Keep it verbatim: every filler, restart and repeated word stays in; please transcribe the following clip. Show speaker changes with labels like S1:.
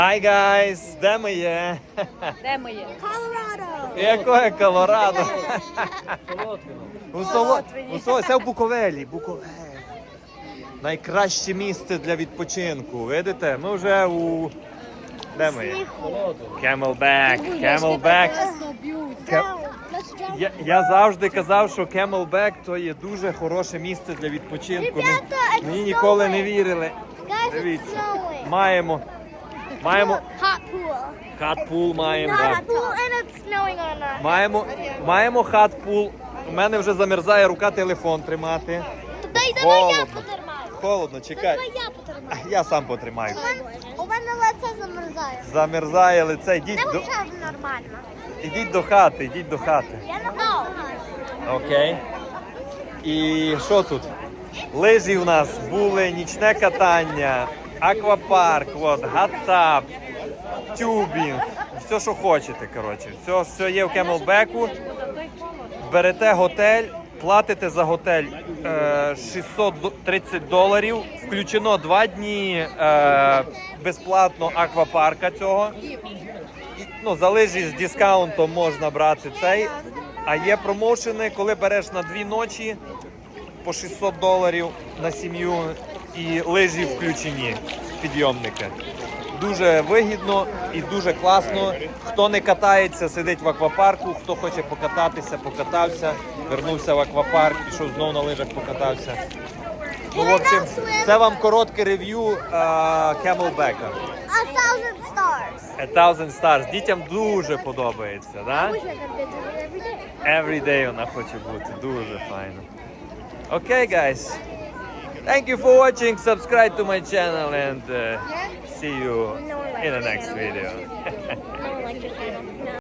S1: Hi guys! Де ми є?
S2: Де ми є?
S3: Colorado.
S1: Якое Колорадо? У Соло...
S2: Солотвині.
S1: У Соло... Це в Буковелі. Буковель. Найкраще місце для відпочинку. Видите? Ми вже у... Де ми є? Camelback. Camelback. Ке- Я, я завжди казав, що Camelback то є дуже хороше місце для відпочинку. Ми-
S3: Ребята, it's
S1: Мені ніколи не
S3: snowing.
S1: вірили.
S3: Guys, it's
S1: Дивіться.
S3: snowing.
S1: Маємо. Маємо
S3: Hot pool.
S1: хат-пул, маємо.
S3: Not
S1: да.
S3: a pool and it's snowing on us.
S1: Маємо, маємо хат-пул. У мене вже замерзає рука телефон тримати.
S3: Дай, давай я
S1: Холодно.
S3: потримаю.
S1: Холодно, чекай.
S3: Давай я потримаю.
S1: Я сам потримаю.
S3: У мене лице замерзає.
S1: Замерзає лице. Йдіть
S3: Це
S1: до,
S3: вже нормально.
S1: йдіть до хати, йдіть до хати.
S3: Я не знаю.
S1: Окей. І що тут? Лижі у нас були, нічне катання, аквапарк, от, гаттап, тюбінг, все, що хочете, коротше. Все, все є в Camelback'у. Берете готель, платите за готель е, шістсот тридцять доларів, включено два дні е, безплатно аквапарка цього. І, ну, за лижі з дискаунтом можна брати цей. А є промоушени, коли береш на дві ночі по шістсот доларів на сім'ю і лижі включені, підйомники. Дуже вигідно і дуже класно. Хто не катається, сидить в аквапарку, хто хоче покататися, покатався, вернувся в аквапарк, пішов знову на лижах, покатався. Ну, в общем, це вам коротке рев'ю uh, Camelback'а.
S3: A thousand stars.
S1: A thousand stars. Дітям дуже подобається, да?
S3: I wish I could visit it every day.
S1: Every day вона хоче бути. Дуже файно. Окей, guys. Thank you for watching. Subscribe to my channel and uh, see you in the next video.
S3: No one likes your channel. No.